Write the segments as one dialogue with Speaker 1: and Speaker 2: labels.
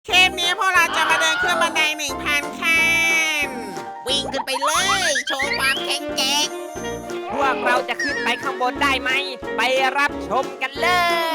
Speaker 1: เทปนี้พวกเราจะมาเดินขึ้นบันได1,000ขั้น
Speaker 2: วิ่งขึ้นไปเลยโชว์ความแข็งแกร่ง
Speaker 3: พวกเราจะขึ้นไปข้างบนได้ไหมไปรับชมกันเลย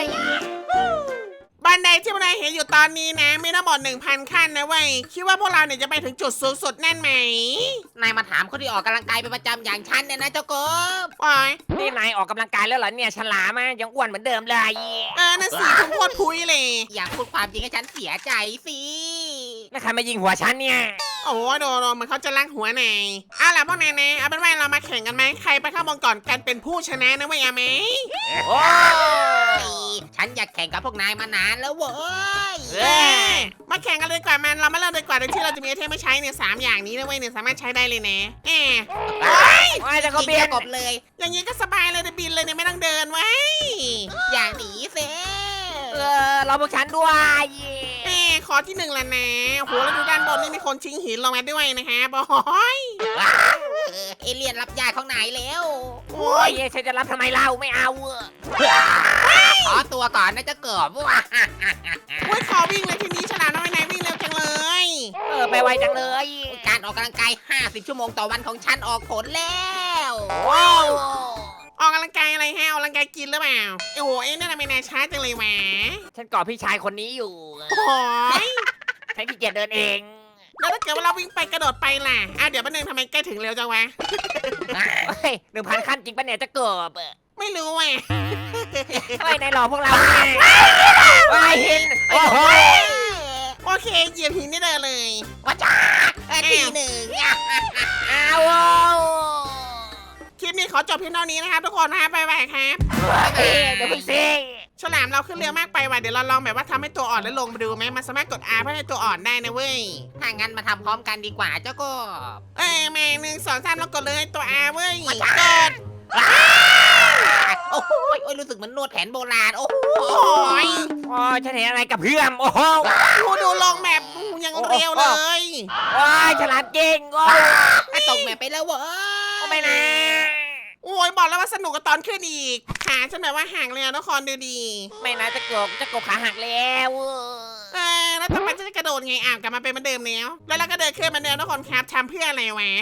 Speaker 1: บันไดที่พวกนายเห็นอยู่ตอนนี้นะมีทั้งหมด 1,000 ขั้นนะเว้ยคิดว่าพวกเราเนี่ยจะไปถึงจุดสูงสุดแน่นไหม
Speaker 2: นายมาถามคนที่ออกกำลังกายเป็นประจำอย่างฉันเนี่ยนะเจ้ากบ
Speaker 1: โอ้ย
Speaker 3: นี่นายออกกำลังกายแล้วเหรอเนี่ยฉลามอะยังอ้วนเหมือนเดิมเลย
Speaker 1: นั่นสิคุณโคตรพุ้ยเลย
Speaker 2: อยากพูดความจริงให้ฉันเสียใจสิ
Speaker 3: แล้วใครมายิงหัวฉันเนี่ย
Speaker 1: โอ้โหโดนเหมือนเขาจะลักหัวนายเอาล่ะพวกนายนะเอาเป็นว่าเรามาแข่งกันไหมใครไปข้างบนก่อนกันเป็นผู้ชนะนะเว้ยเอาไหม
Speaker 3: โอ้
Speaker 2: ฉันอยากแข่งกับพวกนายมานานแล้วเว้ย
Speaker 1: มาแข่งกันเลยดีกว่ามันเรามาเริ่มเลยดีกว่าโดยที่เราจะมีไอเทมไม่ใช้เนี่ย3อย่างนี้นะเว้ยเนี่ยสามารถใช้ได้เลยนะ
Speaker 3: โอ้ยจะก็
Speaker 2: กิน
Speaker 3: เบีย
Speaker 2: เจ้ากบเลย
Speaker 1: อย่างนี้ก็สบายเลยนะบินเลยเนี่ยไม่ต้องเดินไว้
Speaker 2: อย่างหนีเซ
Speaker 3: เราพวกฉันด้วย
Speaker 1: ขอที่1แล้วนะโหแล้วดูด้านบนนี่มีคนชิงหินลงมาด้วยนะคะบอย
Speaker 2: เอเลี่ยนรับยาของนายแล้ว
Speaker 1: โอ้
Speaker 3: โอ้
Speaker 1: ย
Speaker 3: ยฉันจะรับทำไมเล่าไม่เอา
Speaker 2: ขอตัวก่อนนะเจ้ากบว่ะ
Speaker 1: โอ้ยขอวิ่งเลยทีนี้ฉลามน้อยนายวิ่งเร็วจังเลย
Speaker 3: ไปไวจังเลย
Speaker 2: การออกกำลังกาย50 ชั่วโมงต่อวันของฉันออกผลแล้ว
Speaker 3: ว้าว
Speaker 1: ออกกำลังกายอะไรฮะออกกำลังกายกินหรือเปล่าโอ้โหนี่ทำไมนายช้าจังเลยแหวะ
Speaker 3: ฉันกอดพี่ชายคนนี้อยู่
Speaker 1: โอ้ย
Speaker 3: ฉันขี้เกียจเดินเอง
Speaker 1: แล้วถ้าเกิดว่าเราวิ่งไปกระโดดไปล่ะเดี๋ยวแป๊บนึงทำไมใกล้ถึงเร็วจังวะ
Speaker 3: เฮ้ย1,000 ขั้นจริงปะเนี่ยจะเกิบ
Speaker 1: ไม่รู้แหวะ
Speaker 3: เฮ้ยนายหลอกพวกเราเนี่ยว้ายหินโอ้โห
Speaker 1: โอเคเหยียบหินนี่เดินเลย
Speaker 2: ว่าจ้าทีหนึ่ง
Speaker 3: อ้าว
Speaker 1: คลิปนี้ขอจบเพียงเท่านี้นะครับทุกคนนะบ๊ายบายครับ
Speaker 3: เดี๋ยวพี่ซิ
Speaker 1: ฉลามเราขึ้นเร็วมากไปว่ะเดี๋ยวเราลองแบบว่าทำให้ตัวอ่อนแล้วลงมาดูไหมมันสามารถกด R เพื่อให้ตัวอ่อนได้นะเว้ย
Speaker 2: ถ้างั้นมาทำพร้อมกันดีกว่าเจ้ากบ
Speaker 1: แม่1 2 3แล้วกดเลยตัว R เว้ยกด
Speaker 2: โอ้โหรู้สึกเหมือนนวดแผนโบราณโอ้โห
Speaker 1: โอ้ย
Speaker 3: โอ้ฉันเห็นอะไรกับเพื่อนโอ้โห
Speaker 1: ดูลงแบบยังเร็วเลย
Speaker 3: โอ้ยฉลาดเก่งโอ้
Speaker 2: ตกแมปไปแล้วเว้ย
Speaker 3: ไม่นะ
Speaker 1: โอ้ยบอกแล้วว่าสนุกกับตอนขึ้นอีกขาฉันแบบว่าห่างเลยนะทุกคนดูดี
Speaker 3: ไม่นะจะกบขาหักแล้ว
Speaker 1: แล้วต่อไปจะกระโดดไงกลับมาเป็นเหมือนเดิมแล้วเราก็เดินขึ้นมาเดิมทุกคนครับทำเพื่ออะไรวะ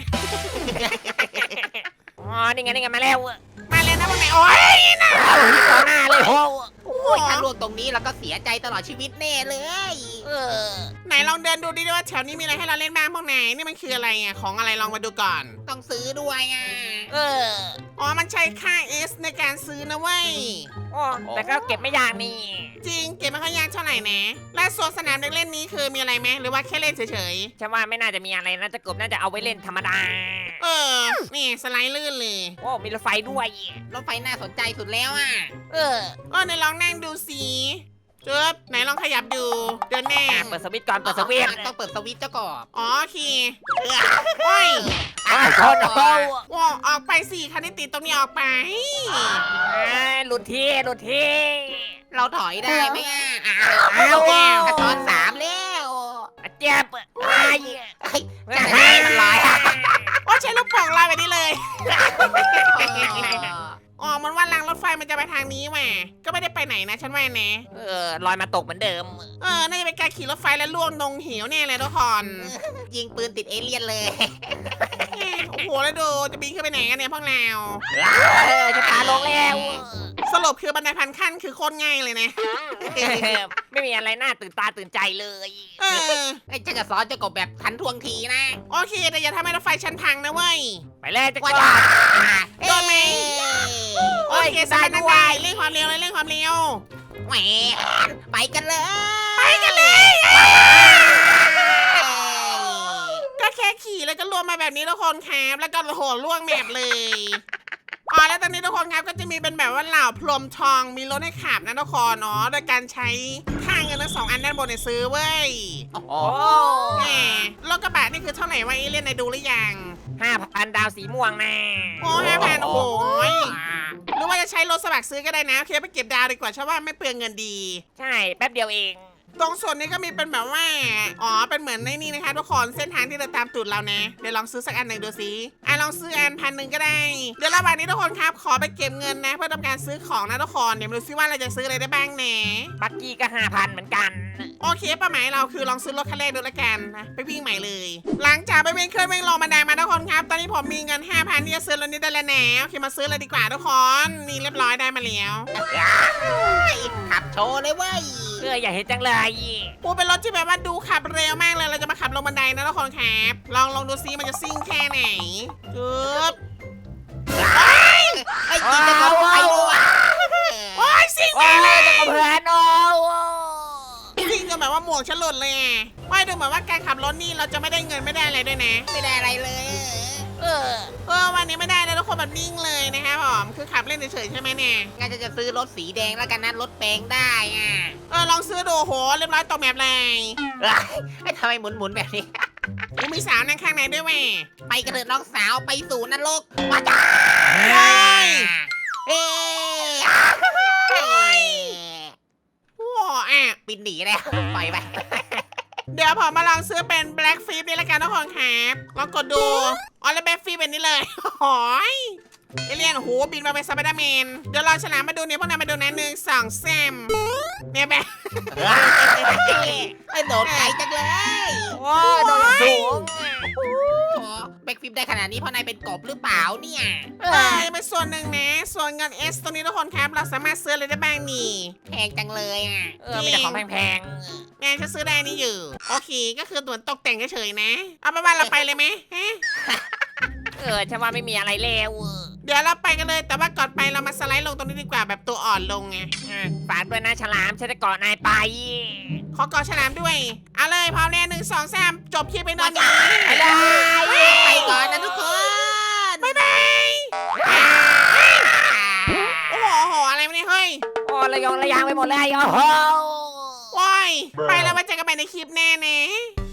Speaker 3: อ๋อนี่ไงมาแล้ว
Speaker 1: มาเลยนะพวกนายโอ้ยนะ
Speaker 3: เอาหินต่อหน้าเลยโอ้
Speaker 2: โอ้ยถ้าล่วงตรงนี้เราก็เสียใจตลอดชีวิตแน่เลย
Speaker 1: ไหนลองเดินดูดิว่าแถวนี้มีอะไรให้เราเล่นบ้างพวกนายนี่มันคืออะไรของอะไรลองมาดูก่อน
Speaker 2: ต้องซื้อด้วย
Speaker 1: อ๋อมันใช้ค่า S ในการซื้อนะเว้ย
Speaker 3: โอ้แต่ก็เก็บไม่ยากนี่
Speaker 1: จริงเก็บไม่ค่อยยากเท่าไหร่นะและส่วนสนามเด็กเล่นนี้คือมีอะไรไหมหรือว่าแค่เล่นเฉย
Speaker 3: ฉันว่าไม่น่าจะมีอะไรนะจะกบน่าจะเอาไว้เล่นธรรมดา
Speaker 1: ๆนี่สไลด์ลื่นเลย
Speaker 3: โอ้มีรถไฟด้วย
Speaker 2: รถไฟน่าสนใจสุดแล้ว
Speaker 1: ไหนลองนั่งดูสิจุ๊บไหนลองขยับดูเดินแน่
Speaker 3: เปิดสวิตช์ก่อนเปิดสวิตช์
Speaker 2: ต้องเปิดสวิตช์เจ้ากบ
Speaker 1: อ๋อโอเคโอ้ย
Speaker 3: ชนโอ้
Speaker 1: ว้าออกไปสิคันที่ติดตรงนี้ออกไป
Speaker 3: หลุดที่
Speaker 2: เราถอยได้ไหม
Speaker 3: เอา
Speaker 2: กระตอน3แล้ว
Speaker 3: เจ็บไอ้
Speaker 2: จะให้มันลอย
Speaker 1: โอ้ใช้ลูกโป่งลอยแบบนี้เลยอ๋อมันว่ารางรถไฟมันจะไปทางนี้แหมก็ไม่ได้ไปไหนนะฉันว่านะ
Speaker 3: ลอยมาตกเหมือนเดิม
Speaker 1: น่าจะเป็นการขี่รถไฟแล้วล่วงลงเหวแน่เลยทุกคน
Speaker 2: ยิงปืนติดเอเลี่ยนเลย
Speaker 1: โอ้โหแล้วดูจะบินขึ้นไปไหนกันเนี่ยพวกเรา
Speaker 3: จะตาลงแล้ว
Speaker 1: สรุปคือบันไดพันขั้นคือโคตรง่ายเลยนะ
Speaker 3: ไม่มีอะไรน่าตื่นตาตื่นใจเลย
Speaker 2: ฉันจะสอนเจ้ากบแบบทันท่วงทีนะ
Speaker 1: โอเคแต่อย่าทำให้รถไฟชั้นพังนะเว้ย
Speaker 3: ไปเลยจะก
Speaker 2: ว่า
Speaker 3: บ
Speaker 2: จะ
Speaker 1: โดนไหม โอเคสบายนั่งได้เร่งความเร็วเลยเร่งความเร็ว
Speaker 2: แหมไปกันเลย
Speaker 1: ไปกันเลย ก็แค่ขี่แล้วก็รวมมาแบบนี้ทุกคนครับแล้วก็โหล่วงแมปเลยแล้วตอนนี้ทุกคนครับก็จะมีเป็นแบบว่าเหล่าพรหมทองมีรถให้ขับนะทุกคนโดยการใช้ค่าเงินทั้ง2 อันด้านบนเนี่ยซื้อเว้ย
Speaker 3: โอ้
Speaker 1: แหมรถกระบะนี่คือเท่าไหร่วะเอเลี่ยนนายดูหรือยัง
Speaker 3: 5,000 ดาวสีม่วงนะ
Speaker 1: โอ้5,000โอ้โหหรือว่าจะใช้รถสมัครซื้อก็ได้นะโอเคไปเก็บดาวดีกว่าใช่ว่าไม่เปลืองเงินดี
Speaker 3: ใช่แป๊บเดียวเอง
Speaker 1: ตรงส่วนนี้ก็มีเป็นแบบว่าอ๋อเป็นเหมือนในนี่นะคะทุกคนเส้นทางที่เดินตามตูดเรานะเดี๋ยวลองซื้อสักอันหนึ่งดูสิลองซื้ออัน1,000ก็ได้เดี๋ยวระหว่างนี้ทุกคนครับขอไปเก็บเงินนะเพื่อทำการซื้อของนะทุกคนเดี๋ยวมาดูซิว่าเราจะซื้ออะไรได้บ้างนะ
Speaker 3: บักกี้ก็5,000เหมือนกัน
Speaker 1: โอเคเป้าหมายเราคือลองซื้อรถคันแรกดูละกันนะไปวิ่งใหม่เลย หลังจากไปวิ่งขึ้นวิ่งลงบันไดมาทุกคนครับตอนนี้ผมมีเงิน 5,000ที่จะซื้อรถนี้ได้แล้วนะโอเคมาซื้อเลยดีกว่าทุกคนนี่เรียบร้อยได้มาแล้ว
Speaker 2: ขับโชว์เลยเว้ย
Speaker 3: อยากเห็นจังเลย
Speaker 1: ปูเป็นรถที่แบบว่าดูขับเร็วมากเลยเราจะมาขับลงบันไดนะทุกคนครับลองดูซิมันจะซิ่งแค่ไหนปึ๊บ
Speaker 2: ไอ้กินจะบอกไปดูอ่ะ
Speaker 1: โอ้ยซิ่ง
Speaker 3: โอ้
Speaker 1: มาก
Speaker 3: ย
Speaker 1: เลย
Speaker 3: จะกับเพื่อนโอ้
Speaker 1: ซิ่งจนแบบว่าหมวกฉันหลุดเลยอ่ะไม่ดูเหมือนว่าการขับรถนี่เราจะไม่ได้เงินไม่ได้อะไรด้วยนะ
Speaker 2: ไม่ได้อะไรเลย
Speaker 1: วันนี้ไม่ได้เลยทุกคนแบบนิ่งเลยนะครับผมคือขับเล่นเฉยๆใช่ไหมเนี่ย
Speaker 2: งั้นจะซื้อรถสีแดงแล้วกันนะรถแปลงได้อ่ะ
Speaker 1: ลองซื้อดูโหเรียบร้อยตกแมปเลย
Speaker 2: ไอ้ทำไมหมุนแบบนี้
Speaker 1: มีสาวนั่งข้างในด้วยแม่
Speaker 2: ไปกระเถิดน้องสาวไปสู่นรกมาจ้า
Speaker 1: เฮ้ย
Speaker 2: เฮ้ย
Speaker 1: ว้าวอ่ะ
Speaker 2: บินหนีเลยปล่อยไป
Speaker 1: เดี๋ยวผมมาลองซื้อเป็น Black f i p นี่ละกันทุกคนครับลองกดดูแล้ว Black f i p เป็นนี่เลยโอ้ยเอเลี่ยนโหบินมาเป็นสไปเดอร์แมนเดี๋ยวเราฉลามมาดูเนี่ยพวกนายมาดูนะ1 2 3เนี่ยแบบ
Speaker 2: ไอ้โดดไกลจังเลย
Speaker 3: โอ้ยโดนสูง
Speaker 2: แบ็กฟิปได้ขนาดนี้เพราะนายเป็นกบหรือเปล่าเนี่ย
Speaker 1: เป็นส่วนหนึ่งนะส่วนเงิน S ตรงนี้ทุกคนครับเราสามารถซื้ออะไรได้บ้างนี่
Speaker 2: แพงจังเลยอ่ะ
Speaker 3: มีแต่ของแพง
Speaker 1: แม่ฉันซื้อได้นี่อยู่โอเคก็คือตัวตกแต่งเฉยๆนะเอาไปนว่าเราไปเลยไหมฮะ
Speaker 3: ฉันว่าไม่มีอะไรแล้ว
Speaker 1: เดี๋ยวเราไปกันเลยแต่ว่าก่อนไปเรามาสไลด์ลงตรงนี้ดีกว่าแบบตัวอ่อนลงไง
Speaker 3: ฝากด้วยนะฉลามฉันจะเกาะนายไป
Speaker 1: ขอกอฉลามด้วย เอาเลยพร้อมแล้ว1 2 3จบคลิปไปนอนนี้
Speaker 3: ไปเลย
Speaker 2: ไปก่อนนะทุกคน
Speaker 1: บ๊ายบายโอ้โหอะไรไม่ได้เฮ้ย
Speaker 3: โอ้ระยองระยางไปหมดเลยโอ้โห
Speaker 1: ว้ายไปแล้วมาเจอกันใหม่ในคลิปแน่เนะ